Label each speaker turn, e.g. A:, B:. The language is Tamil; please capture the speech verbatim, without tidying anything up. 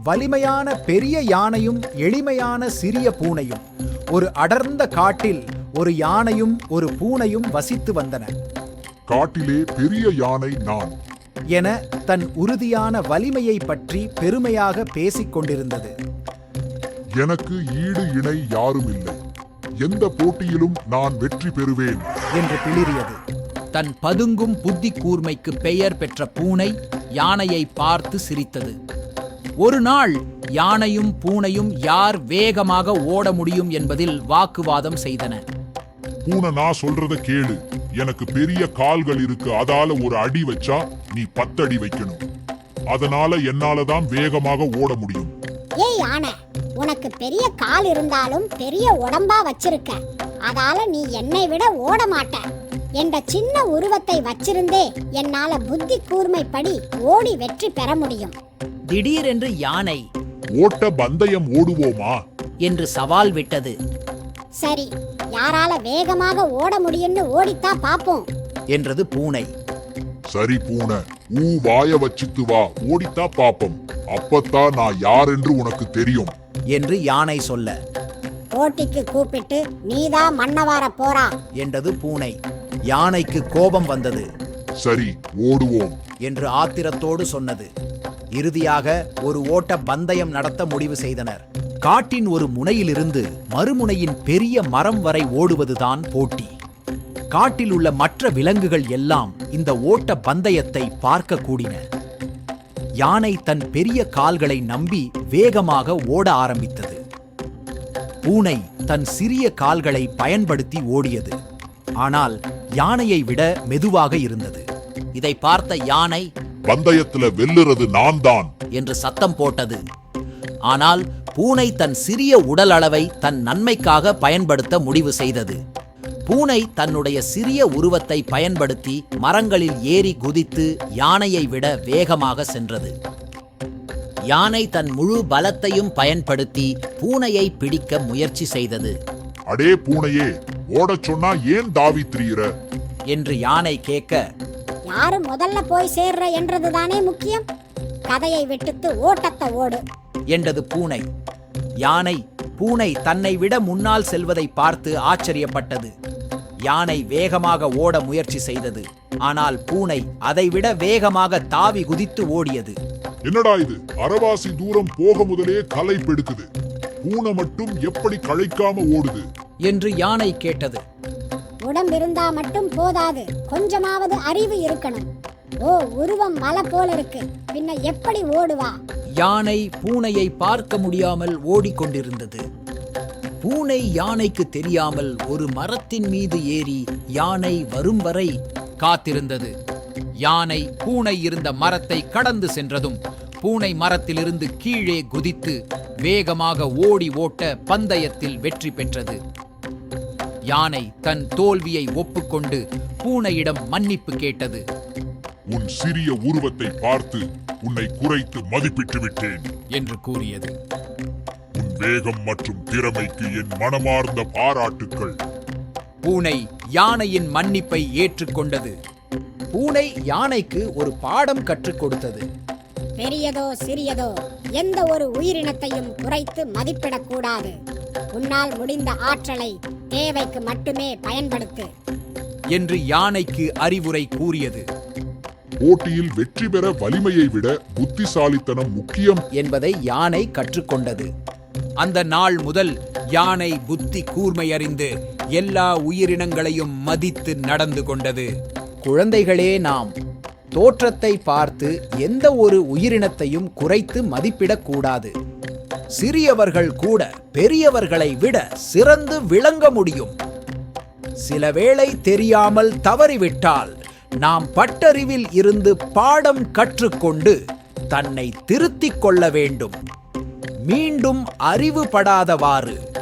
A: வலிமையான பெரிய யானையும் எளிமையான சிறிய பூனையும். ஒரு அடர்ந்த காட்டில் ஒரு யானையும் ஒரு பூனையும் வசித்து வந்தன.
B: காட்டிலே பெரிய யானை நான்
A: என தன் உறுதியான வலிமையை பற்றி பெருமையாக பேசிக் கொண்டிருந்தது.
B: எனக்கு ஈடு இணை யாரும் இல்லை, எந்த போட்டியிலும் நான் வெற்றி பெறுவேன்
A: என்று பிளிரியது.
C: தன் பதுங்கும் புத்தி கூர்மைக்கு பெயர் பெற்ற பூனை யானையை பார்த்து சிரித்தது. ஒரு நாள் யானையும் பூனையும் யார் வேகமாக ஓட முடியும் என்பதில் வாக்குவாதம் செய்தன.
B: பூனை, நான் சொல்றத கேளு. எனக்கு பெரிய கால்கள் இருக்கு, அதால ஒரு அடி வச்சா நீ பத்தடி வைக்கணும். அதனால என்னாலதான் வேகமாக ஓட முடியும்.
D: ஏய் யானை, உனக்கு பெரிய கால் இருந்தாலும் பெரிய உடம்பா வச்சிருக்க, அதால நீ என்னை விட ஓட மாட்ட. என்ற சின்ன உருவத்தை வச்சிருந்தே என்னால புத்தி கூர்மைப்படி ஓடி வெற்றி பெற முடியும்.
C: திடீரென்று யானை
B: ஓட்ட பந்தயம் ஓடுவோமா
C: என்று சவால் விட்டது.
D: சரி, யாரால வேகமாக ஓட முடியும்னு ஓடித்தா பாப்போம்
A: என்றது பூனை.
B: சரி பூனை, ஊ வாய வச்சுத்து வா, ஓடித்தா பாப்போம். அப்பத்தான் நான் யார் என்று உனக்கு தெரியும்
A: என்று யானை சொல்ல,
D: போட்டிக்கு கூப்பிட்டு நீதான் மன்னவார போறா
A: என்றது பூனை. யானைக்கு கோபம் வந்தது.
B: சரி, ஓடுவோம்
A: என்று ஆத்திரத்தோடு சொன்னது. இறுதியாக ஒரு ஓட்ட பந்தயம் நடத்த முடிவு செய்தனர். காட்டின் ஒரு முனையிலிருந்து மறுமுனையின் பெரிய மரம் வரை ஓடுவதுதான் போட்டி. காட்டில் உள்ள மற்ற விலங்குகள் எல்லாம் இந்த ஓட்ட பந்தயத்தை பார்க்க கூடின. யானை தன் பெரிய கால்களை நம்பி வேகமாக ஓட ஆரம்பித்தது. பூனை தன் சிறிய கால்களை பயன்படுத்தி ஓடியது. ஆனால் யானையை விட மெதுவாக இருந்தது.
C: இதை பார்த்த யானை
B: பந்தயத்துல வெல்லுறது நான் தான்
C: என்று சத்தம் போட்டது. ஆனால் பூனை தன் சிறிய உடல் அளவை தன் நன்மைக்காக பயன்படுத்த முடிவு செய்தது. பூனை தன்னுடைய சிறிய உருவத்தை பயன்படுத்தி மரங்களில் ஏறி குதித்து யானையை விட வேகமாக சென்றது. யானை தன் முழு பலத்தையும் பயன்படுத்தி பூனையை பிடிக்க முயற்சி செய்தது.
B: அடே பூனையே, ஓடச் சொன்னா ஏன் தாவி திரியிற
A: என்று யானை கேட்க,
D: யாரு முதல்ல போய் சேர்ற என்றதுதானே முக்கியம். கதையை விட்டுத்து ஓட்டத்தை ஓடு
A: என்றது பூனை. யானை பூனை தன்னை விட முன்னால் செல்வதை பார்த்து ஆச்சரியப்பட்டது. யானை வேகமாக ஓட முயற்சி செய்தது. ஆனால் பூனை அதைவிட வேகமாக தாவி குதித்து ஓடியது.
B: என்னடா இது, அரவாசி தூரம் போக முதலே கலை பெடுக்குது, பூனை மட்டும் எப்படி களைக்காம ஓடுது
A: என்று யானை கேட்டது.
D: உடம்பிருந்தா மட்டும் போதாது, கொஞ்சமாவது அறிவு இருக்கணும். ஓ, உருவம் மலை போல இருக்கு, பின்ன எப்படி ஓடுவா?
C: யானை பூனையை பார்க்க முடியாமல் ஓடிக்கொண்டிருந்தது. பூனை யானைக்கு தெரியாமல் ஒரு மரத்தின் மீது ஏறி யானை வரும் வரை காத்திருந்தது. யானை பூனை இருந்த மரத்தை கடந்து சென்றதும் பூனை மரத்திலிருந்து கீழே குதித்து வேகமாக ஓடி ஓட்ட பந்தயத்தில் வெற்றி பெற்றது. யானை தன் தோல்வியை ஒப்புக்கொண்டு பூனையிடம் மன்னிப்பு கேட்டது.
B: உன் சிறிய உருவத்தை பார்த்து உன்னை குறைத்து மதிப்பிட்டு விட்டேன்
C: என்று கூறியது.
B: உன் வேகம் மற்றும் திறமைக்கு என் மனமார்ந்த பாராட்டுக்கள்.
A: பூனை யானையின் மன்னிப்பை ஏற்றுக்கொண்டது. பூனை யானைக்கு ஒரு பாடம் கற்றுக் கொடுத்தது.
D: பெரியதோ சிறியதோ எந்த ஒரு உயிரினத்தையும் குறைத்து மதிப்பிடக்கூடாது. உன்னால் முடிந்த ஆற்றலை தேவைக்கு மட்டுமே பயன்படுத்து
A: என்று யானைக்கு அறிவுரை கூறியது.
B: போட்டியில் வெற்றி பெற வலிமையை விட புத்திசாலித்தனம் முக்கியம்
A: என்பதை யானை கற்றுக்கொண்டது. அந்த நாள் முதல் யானை புத்தி கூர்மை அறிந்து எல்லா உயிரினங்களையும் மதித்து நடந்து கொண்டது. குழந்தைகளே, நாம் தோற்றத்தை பார்த்து எந்த ஒரு உயிரினத்தையும் குறைத்து மதிப்பிடக்கூடாது. சிறியவர்கள் கூட பெரியவர்களை விட சிறந்து விளங்க முடியும். சில வேளை தெரியாமல் தவறிவிட்டால் நாம் பட்டறிவில் இருந்து பாடம் கற்றுக்கொண்டு தன்னை திருத்திக் கொள்ள வேண்டும். மீண்டும் அறிவுபடாதவாறு